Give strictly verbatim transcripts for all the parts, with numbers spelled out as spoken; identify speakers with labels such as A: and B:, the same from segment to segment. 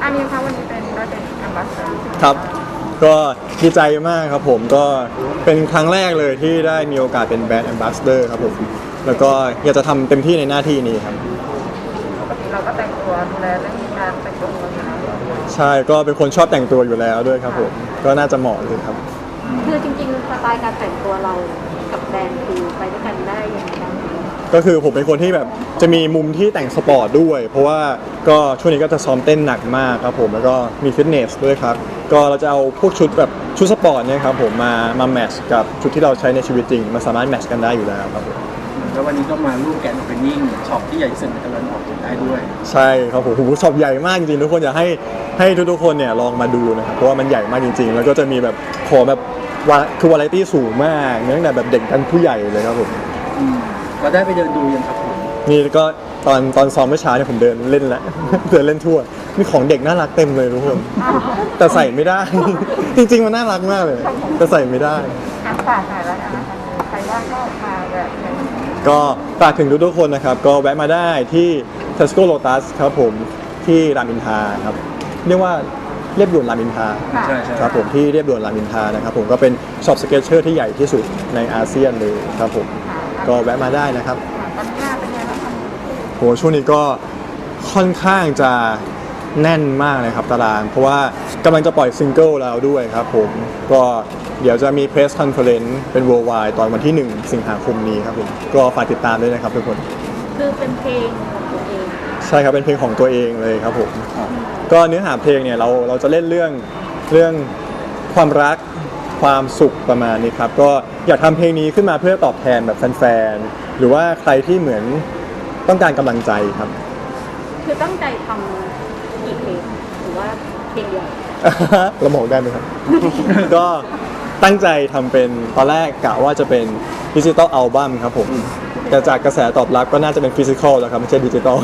A: อันนี้คะวันนี้เป็นได้เป็นแอมบาสเดอร์
B: ครับก็ดีใจมากครับผมก็เป็นครั้งแรกเลยที่ได้มีโอกาสเป็นแบรนด์แอมบาสเดอร์ครับผมแล้วก็อยากจะทำเต็มที่ในหน้าที่นี้ครับ
A: ปกติเราก็แต่งตัวดูแลเรื่องการแต่งตัวอยู่แล้ว
B: ใช่ก็เป็นคนชอบแต่งตัวอยู่แล้วด้วยครับผมก็น่าจะเหมาะเลยครับ
C: คือจริงๆสไตล์การแต่งตัวเรากับแบรนด์คือไปด้วยกันได้ยังไงบ้าง
B: ก็คือผมเป็นคนที่แบบจะมีมุมที่แต่งสปอร์ตด้วยเพราะว่าก็ช่วงนี้ก็จะซ้อมเต้นหนักมากครับผมแล้วก็มีฟิตเนสด้วยครับก็เราจะเอาพวกชุดแบบชุดสปอร์ตเนี่ยครับผมมามาแมทช์กับชุดที่เราใช้ในชีวิตจริงมันสามารถแมทช์กันได้อยู่แล้วครับผม
D: แล้ววันนี้ก็มาร่วมแกนโอเพนนิ่งช็อปที่ใหญ่ที่สุดในตะวันออกเฉียงใต้ด้วย
B: ใช่ครับผมโอ้โหช็อปใหญ่มากจริงๆทุกคนอยากให้ให้ทุกๆคนเนี่ยลองมาดูนะครับเพราะว่ามันใหญ่มากจริงๆ แล้วก็จะมีแบบขอแบบว่าคือวาไรตี้สูงมากตั้งแต่แบบเด็กกันผู้ใหญ่เลยครับผม
D: อืมเราได้ไปเดินดูยังครับผม
B: นี่ก็ตอนตอนซ้อมเมื่อเช้าเนี่ยผมเดินเล่นแล้ว เดินเล่นทั่วมีของเด็กน่ารักเต็มเลยทุกคนแต่ใส่ไม่ได้ จริงๆมันน่ารักมากเลยแต่ใส่ไม่ได้
A: อ่ะฝากหน่อยแล้วกันนะคะใครว่างก็มาแบบนี้
B: ก็ฝากถึงทุกๆคนนะครับก็แวะมาได้ที่ Tesco Lotus ครับผมที่รามอินทราครับเรียกว่าเรียบด่วนรามอินทรา
D: ใช่ใช่
B: ครับผมที่เรียบด่วนรามอินทรานะครับผมก็เป็นช็อปสเก็ตเชอร์ที่ใหญ่ที่สุดในอาเซียนเลยครับผมก็แวะมาได้นะครับ
A: ตอนนี้งานเป็นไงบ้างคะ
B: โหช่วงนี้ก็ค่อนข้างจะแน่นมากเลยครับตาราง เพราะว่ากำลังจะปล่อยซิงเกิลแล้วด้วยครับผมก็เดี๋ยวจะมีเพรสคอนเฟอเรนซ์เป็น worldwide ตอนวันที่หนึ่งสิงหาคมนี้ครับผมก็ฝากติดตามด้วยนะครับทุกคน
C: คือเป็นเพลงของตัวเอง
B: ใช่ครับเป็นเพลงของตัวเองเลยครับผมก็เนื้อหาเพลงเนี่ยเราเราจะเล่นเรื่องเรื่องความรักความสุขประมาณนี้ครับก็อยากทำเพลงนี้ขึ้นมาเพื่อตอบแทนแบบแฟนๆหรือว่าใครที่เหมือนต้องการกำลังใจครับ
C: คือตั้งใจทำกี่เพลงหรือว่าเพลงเดียว
B: เราบอกได้ไหมครับ ก็ตั้งใจทำเป็นตอนแรกกะว่าจะเป็นดิจิตอลอัลบั้มครับผมแต่จากกระแสตอบรับก็น่าจะเป็นฟิสิกอลแล้วครับไม่ใช่ดิจิตอล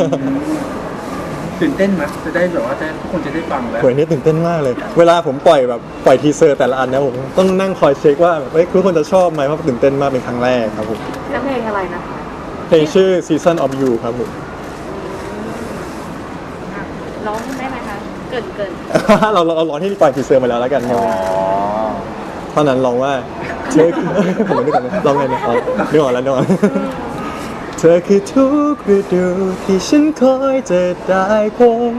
D: ตื่นเต้นไหมจะได้แบบว่าจะทุกคนจะได้ฟังแล้ว
B: โหยนี่ตื่นเต้นมากเลย เวลาผมปล่อยแบบปล่อยทีเซอร์แต่ละอันนะผมต้องนั่งคอยเช็คว่าแบบเฮ้ยทุกคนจะชอบไหมเพราะตื่นเต้นมากเป็นครั้งแรกครับผม
C: แล้วเพลงอะไรนะคะ
B: เพลงชื่อ Season of You ครับผม
C: ร้องได้ไหมคะเกินเกิน
B: เราเราเราร้องที่ปล่อยทีเซอร์มาแล้วแล้วกันครับเท่านั้นร้องว่าเธอคือ ผมไม่ได้กันร้องไงนะอ๋อนึกออกแล้วนึกออกเธอคือทุกฤดูที่ฉันคอยจะได้พบ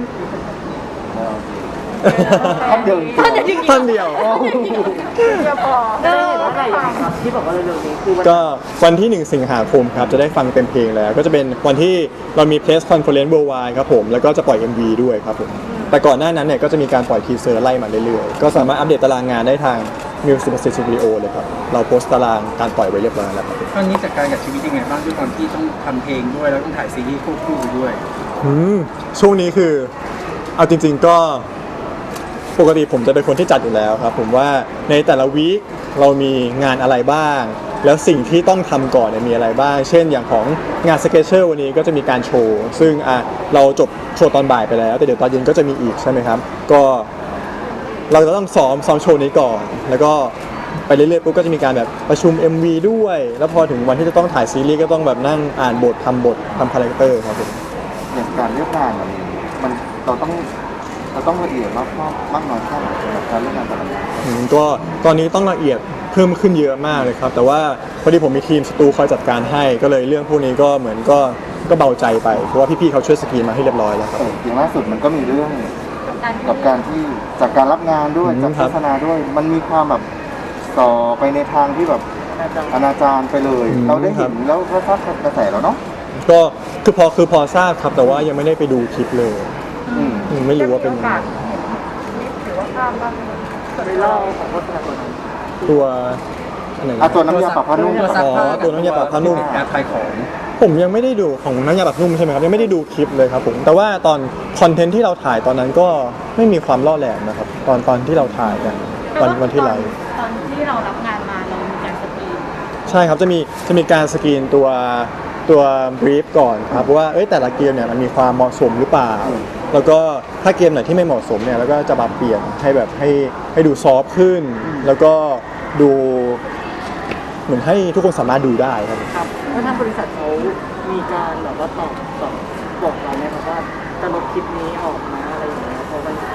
D: ท่อนเดียว
B: ท่อนเดียว
A: เดี๋ยวพอ
C: ได้เห็นว่าอะไรครับที่บอกว่าเร็วๆนี้คือวัน
B: ก็วันที่หนึ่งสิงหาคมครับจะได้ฟังเต็มเพลงแล้ว ก็จะเป็นวันที่เรามี Press Conference Worldwide ครับผมแล้วก็จะปล่อย เอ็ม วี ด้วยครับผมแต่ก่อนหน้านั้นเนี่ยก็จะมีการปล่อยทีเซอร์ไล่มาเรื่อยๆก็สามารถอัปเดตตารางงานได้ทาง Music Studio เลยครับเราโพสต์ตารางการปล่อยไว้เรียบร้อยแล้วครับ
D: ตอนนี้จัดการกับชีวิตยังไงบ้างด้วยความที่ต้องทำเพลงด้วยแล้วต้องถ่ายซีรีส์ควบคู่ไปด้วย
B: อืมช่วงนี้คือเอาจริง ๆก็ปกติผมจะเป็นคนที่จัดอยู่แล้วครับผมว่าในแต่ละวีคเรามีงานอะไรบ้าง แล้วสิ่งที่ต้องทำก่อนเนี่ยมีอะไรบ้าง เช่นอย่างของงานสเก็ตเชอร์วันนี้ก็จะมีการโชว์ซึ่งอ่ะเราจบโชว์ตอนบ่ายไปแล้วแต่เดี๋ยวตอนเย็นก็จะมีอีกใช่ไหมครับก็เราจะต้องซ้อมซ้อมโชว์นี้ก่อน แล้วก็ไปเรื่อยๆปุ๊บก็จะมีการแบบประชุม เอ็ม วี ด้วย แล้วพอถึงวันที่จะต้องถ่ายซีรีส์ก็ต้องแบบนั่งอ่านบททำบททำคาแรคเตอร์ครับผม
E: อย่างการเลือกงานมันมันเราต้องเราต้องละเอียดรอบคอบมากน้อยแค่ไหนสำหรับการเลือกงานแต่ละงาน
B: อืมก็ตอนนี้ต้องละเอียดเพิ่มขึ้นเยอะมากเลยครับ แต่ว่าพอดีผมมีทีมสตูคอยจัดการให้ก็เลยเรื่องพวกนี้ก็เหมือนก็ก็เบาใจไปเพราะว่าพี่ๆเขาช่วยสกรีนมาให้เรียบร้อยแล้วครับ
E: เอออย่างล่าสุดมันก็มีเรื่อง
C: การ
E: กับการที่จากการรับงานด้วย
B: อืม
E: จาก
B: ครั
E: โฆ
B: บ
E: ษณาด้วย มันมีความแบบต่อไปในทางที่แบบอนาจารไปเลย เราได้เห็นแล้วก็ทราบกระแสแล้วเนาะ
B: ก็คือพอคือพอทราบครับแต่ว่ายังไม่ได้ไปดูคลิปเลย
E: อืม
B: อืมไม่รู้ว่าเป็น
A: โอกาสเห็นคลิปหรือว่าภาพบ้างไหม
C: ไปเล่าของโฆษณาตัวนั้น
B: ตัวอะไร
E: อ่ะ
B: นะ
E: ตัวน้ำยาปรับผ้านุ่ม
D: ตัวซักผ้า
B: อ๋อตัวน้ำยาปรับผ้านุ่ม
D: แอร์ขายของ
B: ผมยังไม่ได้ดูของน้ำยาปรับนุ่มใช่ไหมครับยังไม่ได้ดูคลิปเลยครับผมแต่ว่าตอนคอนเทนต์ที่เราถ่ายตอนนั้นก็ไม่มีความล่อแหลมนะครับตอนตอนที่เราถ่ายกันวันวันที่ไลฟ์
C: ตอนที่เรารับงานมาเรามีการสกรีน
B: ใช่ครับจะมีจะมีการสกรีนตัวตัวบรีฟก่อนครับว่าเอ้ยแต่ละเกมเนี่ยมันมีความเหมาะสมหรือเปล่า แล้วก็ถ้าเกมไหนที่ไม่เหมาะสมเนี่ยแล้วก็จะปรับเปลี่ยนให้แบบให้ให้ดูซอฟต์ขึ้น แล้วก็ดูเหมือนให้ทุกคนสามารถดูได้ครับ
F: ครับแล้วทางบริษัทเขามีการแบบว่าตอบตอบบอกเราไหมครับว่าจะลบคลิปนี้ออกนะอะไรอย่างเงี้ยเพราะ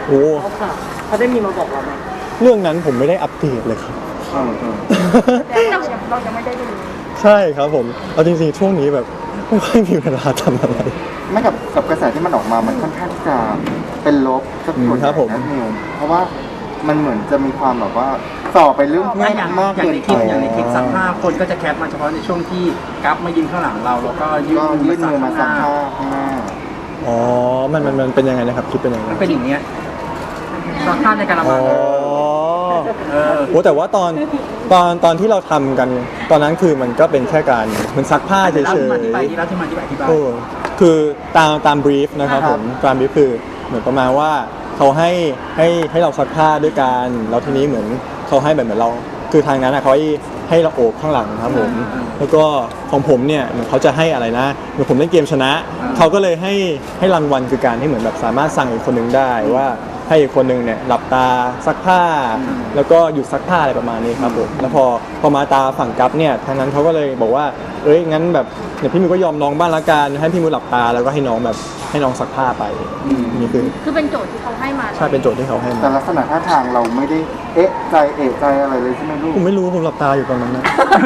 B: โอ้
F: เขาค่ะเขาได้มีมาบอกเราไหม
B: เรื่องนั้นผมไม่ได้อัปเดตเลยครับ
E: เออเออ
A: แต่เรายังเรายังไม่ได้ดู
B: ใช่ครับผมเอาจริงๆช่วงนี้แบบไม่ค่อยมีเวลาทำอะไร
E: ไม่กับกับกระแสที่มันออกมามันค่อนข้างที่จะเป็นลบสักส่วน
B: อืมครับผม
E: นะนิวเพราะว่ามันเหมือนจะมีความแบบว่าต่อไปเรื่องเพ
D: ไม่
E: ศ
D: อย่าง
E: มาก
D: อย่าง
E: เกิน
D: ในค
E: ไป
D: ลิปอย่างในคลิปซักผ้าคนก็จะแคปมาเฉพาะในช่วงที่กัฟมายืนข้างหลังเราแล้วก็ยื่น
E: ก็ยื่นมือมาสัม
D: ผ้า
E: ภาษณ์ข้างหน้า
B: อ๋อมันมันมันเป็นยังไงนะครับคลิปเป็นยังไง
D: มันเป็นอย่างเงี้ยซักผ้าในกระ
B: อ๋
D: มั
B: อง
D: เออ
B: โอ้แต่ว่าตอนตอนตอนที่เราทำกัน ตอนนั้นคือมันก็เป็นแค่การเหมันซักผ้าเฉ
D: เดี๋ยวเรา
B: ย
D: มาอธิบาย
B: ๆ
D: ที่เราที่มาอธิบายอธิบาย
B: โอ้คือตามตามบรีฟนะครับผมตามบรีฟคือเหมือนประมาณว่าเขาให้ให้ให้เราซักผ้าด้วยกันแล้วทีนี้เหมือนเขาให้แบบเหมือนเรา คือทางนั้นอะเขาให้ให้เราโอบข้างหลังครับผมแล้วก็ของผมเนี่ยเหมือนเขาจะให้อะไรนะเหมือนผมเล่นเกมชนะเขาก็เลยให้ให้รางวัลคือการที่เหมือนแบบสามารถสั่งอีกคนนึงได้ว่าให้อีกคนนึงเนี่ยหลับตาซักผ้า แล้วก็หยุดซักผ้าอะไรประมาณนี้ครับผมแล้วพอพอมาตาฝั่งกัฟเนี่ยทางนั้นเขาก็เลยบอกว่าเอ้ยงั้นแบบเนี่ยพี่มิวก็ยอมน้องบ้างละกันให้พี่มิวหลับตาแล้วก็ให้น้องแบบให้น้องซักผ้าไปนี่คือ
C: คือเป็นโจทย์ที่เขาให้มา
B: ใช่เป็นโจทย์ที่เขาให้
E: แต่
B: มา
E: ลักษณะท่าทางเราไม่ได้เอ๊ะใจเอะใจอะไรเลยใช่ไหมลูก
B: ผมไม่รู้ผมหลับตาอยู่ตอนนั้นนะ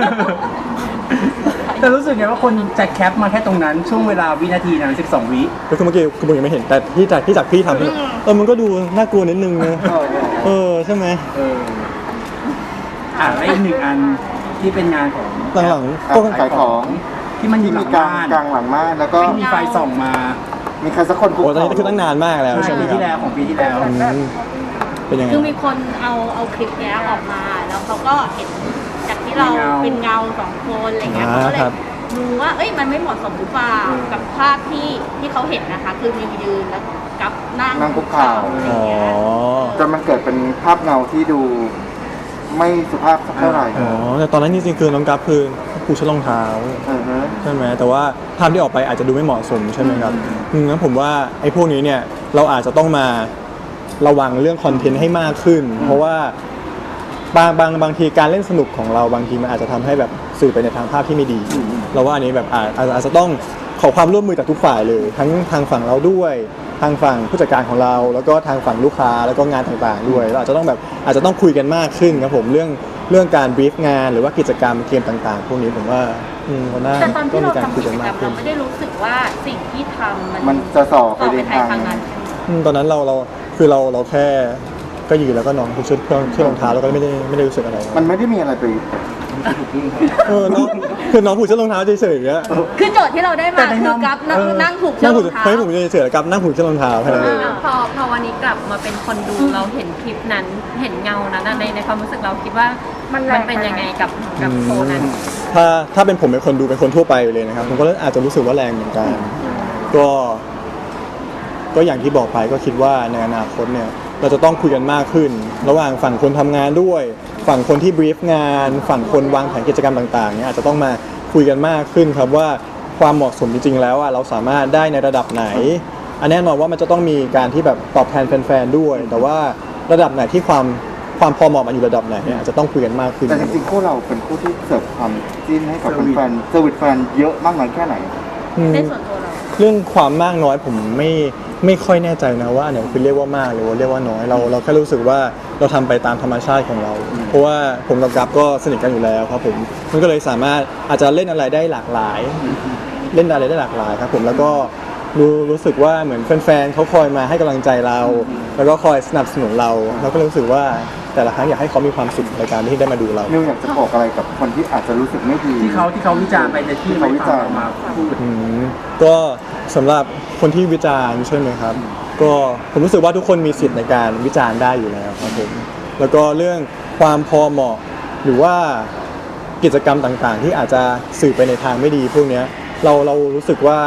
D: แต่รู้สึกไงว่าคนจะแคปมาแค่ตรงนั้นช่วงเวลาวินาทีนั้นสิบสองวิ
B: ก็คือเมื่อกี้คือผมยังไม่เห็นแต่ที่จากที่จากพี่ทำเนี่ยเออมันก็ดูน่ากลัวนิดนึงนะ
E: เออเออ
B: เออใช่ไหม
D: เอออ่ะแล้วอีกหนึ่งอันที่เป็นงานของ
B: หลัง
E: อ่ะ
B: ๆก็
E: ขายของ
D: ที่มันอยู่
E: ที่
D: หลั
E: มี
D: ง
E: กลาง
D: บ้าน
E: กลางหลังม่านแล้วก็
D: ที่มีไฟส่องมา
E: มีใครสักคนคุก
B: โอ้ตอน
E: เข่า
B: นี้คือตั้งนานมากแล้ว
D: ใช่
B: ใช่ไหม
D: ปี
B: ครั
D: ที่แล้ว
B: บ
D: ของปีที่แล้ว
B: อืมเป็นยังไง
C: คือมีคนเอาเอาคลิปเนี้ยออกมา แล้วเขาก็เห็นจากที่เราเป็นเงาสองคนอะไรเงี้ยเขาก็เลยดูว่าเอ้ยมันไม่เหมาะสมหรือเปล่ากับภาพที่ที่เขาเห็นนะคะ คือมิวยืนแล้วกับนั่ง
E: นั่งคุกเข่า
C: อะไร
B: อ๋อ
C: เงี้ย
E: จนมันเกิดเป็นภาพเงาที่ดูไม่สุภาพสักเท่าไหร่
B: อ๋อแต่ตอนนั้นจริงๆคือน้องกัฟคือผูชดรองเท้า
E: เออฮะ
B: ใช่ไหมแต่ว่าภาพที่ออกไปอาจจะดูไม่เหมาะสมใช่ไหมครับอืมงั้นผมว่าไอ้พวกนี้เนี่ยเราอาจจะต้องมาระวังเรื่องคอนเทนต์ให้มากขึ้น เพราะว่าบางบางบางทีการเล่นสนุกของเราบางทีมันอาจจะทำให้แบบสื่อไปในทางภาพที่ไม่ดี เราว่าอันนี้แบบอาจอาจอาจจะต้องขอความร่วมมือจากทุกฝ่ายเลย ทั้งทางฝั่งเราด้วยทางฝั่งผู้จัดการของเรา แล้วก็ทางฝั่งลูกค้าแล้วก็งานต่างๆด้วยเราอาจจะต้องแบบอาจจะต้องคุยกันมากขึ้นครับผมเรื่องเรื่องการบรีฟงานหรือว่ากิจกรรมเกมต่างๆ พวกนี้ผมว่าอืมก็น่า
C: แต่ตอน
B: ก็
C: ที่
B: มี
C: เรา
B: การ
C: ทำ
B: คุ
C: กิ
B: ย
C: จ
B: กัน
C: กร
B: มาร ก
C: ม
B: ขึ้
C: เรา
B: น
C: ไม่ได้รู้สึกว่าสิ่งที่ทำมัน
E: มันจะส่อไป
C: ต่อ
E: ใน
C: ไป
E: ทาง
C: ทางนั้น
B: อืมตอนนั้นเราเราคือเราเราแค่ก็ยืนแล้วก็นอนผูกเชือกเชือกรองเท้าแล้วก็ไม่ได้ไม่ได้รู้สึกอะไร
E: มันไม่ได้มีอะไรไป
B: เออน้องคือน้องผูกเชือกรองเท้าเฉยๆอย่างเงี้ย
C: คือโจทย์ที่เราได้มาคือกับนั่งนั่งผูกเชื
B: นั่
C: อง ก
B: ผู
C: ร
B: ก
C: องเท้า
B: เฮ้ยผมเฉยๆกับนั่งผูกเชือกรองเท้าแค่นั้นเอง
G: พอพอวันนี้กลับมาเป็นคนดูเราเห็นคลิปนั้นเห็นเงานั้นอะในในความรู้สึกเราคิดว่ามันเป็นยังไงกับกับโชว์นั้น
B: ถ้าถ้าเป็นผมเป็นคนดูเป็นคนทั่วไปเลยนะครับผมก็อาจจะรู้สึกว่าแรงเหมือนกันก็ ก็อย่างที่บอกไปก็คิดว่าในอนาคตเนี่ยเราจะต้องคุยกันมากขึ้น ระหว่างฝั่งคนทำงานด้วย ฝั่งคนที่บรีฟงาน ฝั่งคนวางแผนกิจกรรมต่างๆเนี่ยอาจจะต้องมาคุยกันมากขึ้นครับว่าความเหมาะสมจริงๆแล้วอ่ะเราสามารถได้ในระดับไหน อันแน่นอนว่ามันจะต้องมีการที่แบบตอบแทนแฟนๆด้วย แต่ว่าระดับไหนที่ความความพอเหมาะมันอยู่ระดับไหนเนี่ยอาจจะต้องคุยกันมากขึ้น
E: แต่จริงๆคู่เราเป็นคู่ที่เสิร์ฟความจิ้นให้กับแฟนๆเซอร์วิสแฟนเยอะมากน้อยแค่ไหน
B: อืม
C: ในส่วนตัวเรา
B: เรื่องความมากน้อยผมไม่ไม่ค่อยแน่ใจนะว่าอันไหนคือเรียกว่ามากหรือว่าเรียกว่าน้อยเราเราแค่รู้สึกว่าเราทำไปตามธรรมชาติของเรา เพราะว่าผมกับกัฟก็สนิทกันอยู่แล้วครับผมมันก็เลยสามารถอาจจะเล่นอะไรได้หลากหลาย เล่นอะไรได้หลากหลายครับผมแล้วก็รู้รู้สึกว่าเหมือนแฟนๆเขาคอยมาให้กำลังใจเรา แล้วก็คอยสนับสนุนเราเราก็รู้สึกว่าแต่ละครั้งอยากให้เขามีความสุขในการที่ได้มาดูเรา
E: นิวอยากจะบอกอะไรกับคนที่อาจจะรู้สึกไม่ดี
D: ที่เขาที่เขาวิจารณ์ไปในที่
E: ที่เขาวิจารณ์
D: ไม่ฟังเมาพูด
B: อืมก็สำหรับคนที่วิจารณ์ใช่ไหมครับ ก็ผมรู้สึกว่าทุกคนมีสิทธิ์ในการวิจารณ์ได้อยู่แล้วครับผมแล้วก็เรื่องความพอเหมาะหรือว่ากิจกรรมต่างๆ ที่อาจจะสื่อไปในทางไม่ดีพวกเนี้ยเราเรารู้สึกว่า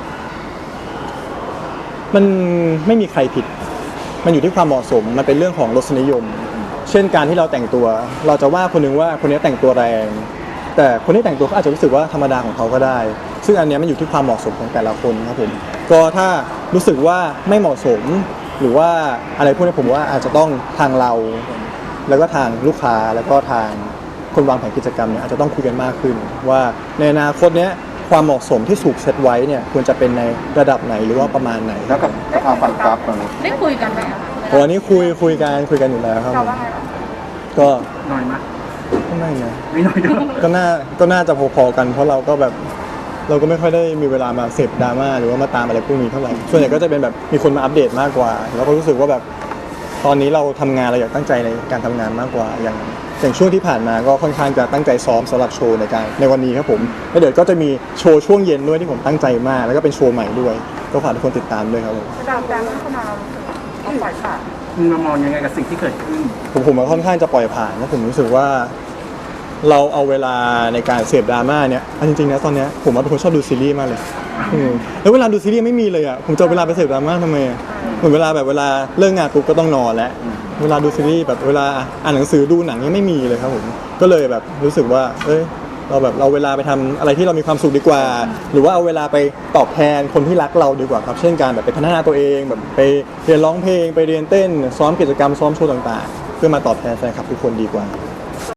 B: มันไม่มีใครผิด มันอยู่ที่ความเหมาะสมมันเป็นเรื่องของรสนิยม เช่นการที่เราแต่งตัว เราจะว่าคนนึงว่าคนนี้แต่งตัวแรง แต่คนที่แต่งตัวเขาอาจจะรู้สึกว่าธรรมดาของเขาก็ได้ ซึ่งอันเนี้ยมันอยู่ที่ความเหมาะสมของแต่ละคนครับผมก็ถ้ารู้สึกว่าไม่เหมาะสม หรือว่าอะไรพวกนี้ผมว่าอาจจะต้องทางเรา แล้วก็ทางลูกค้าแล้วก็ทางคนวางแผนกิจกรรมเนี่ยอาจจะต้องคุยกันมากขึ้น ว่าในอนาคตเนี้ยความเหมาะสมที่ถูกเซตไว้เนี่ยควรจะเป็นในระดับไหนหรือว่าประมาณไหน
E: แล้วกับกับทางฝั่งกราฟฝั่งนู้น
C: ได้คุยกันไหมอะใน
B: โอ้อันนี้คุยคุยกันคุยกันอยู่แล้วครับ
A: เราว่าไงบ้าง
B: ก็
D: หน่อยมะ
B: ก็ไม่นะ
D: ไม่น้อยด้วย
B: ก็น่าก็น่าจะพอๆกันเพราะเราก็แบบเราก็ไม่ค่อยได้มีเวลามาเสพดราม่าหรือว่ามาตามอะไรพวกนี้เท่าไหร่ส่วนใหญ่ก็จะเป็นแบบมีคนมาอัปเดตมากกว่า แล้วก็รู้สึกว่าแบบตอนนี้เราทำงานเราอยากตั้งใจในการทำงานมากกว่าอย่างอย่างช่วงที่ผ่านมาก็ค่อนข้างจะตั้งใจซ้อมสำหรับโชว์ในการในวันนี้ครับผมแล้วเดี๋ยวก็จะมีโชว์ช่วงเย็นด้วยที่ผมตั้งใจมากแล้วก็เป็นโชว์ใหม่ด้วยก็ฝากทุกคนติดตามด้วยครับผม
A: ดาวแดงพัฒนาเราเอาปล่อยผ่าน
D: มึงมามองยังไงกับสิ่งที่เกิดขึ้น
B: ผมผมก็ค่อนข้างจะปล่อยผ่านนะผมรู้สึกว่า เราเอาเวลาในการเสพดราม่าเนี่ยเอาจริงๆนะตอนเนี้ยผมว่าเป็นคนชอบดูซีรีส์มากเลยอืมแล้วเวลาดูซีรีส์ไม่มีเลยอ่ะผมจะเอาเวลาไปเสพดราม่าทำไมอะเหมือนเวลาแบบเวลาเลิกงานปุ๊บก็ต้องนอนแล้วเวลาดูซีรีส์แบบเวลาอ่านหนังสือดูหนังยังไม่มีเลยครับผมก็เลยแบบรู้สึกว่าเอ้ยเราแบบเราเวลาไปทำอะไรที่เรามีความสุขดีกว่า หรือว่าเอาเวลาไปตอบแทนคนที่รักเราดีกว่าครับเช่นการแบบไปพัฒนาตัวเองแบบไปเรียนร้องเพลงไปเรียนเต้นซ้อมกิจกรรมซ้อมโชว์ต่างๆ เพื่อมาตอบแทนแฟนคลับทุกคนดีกว่า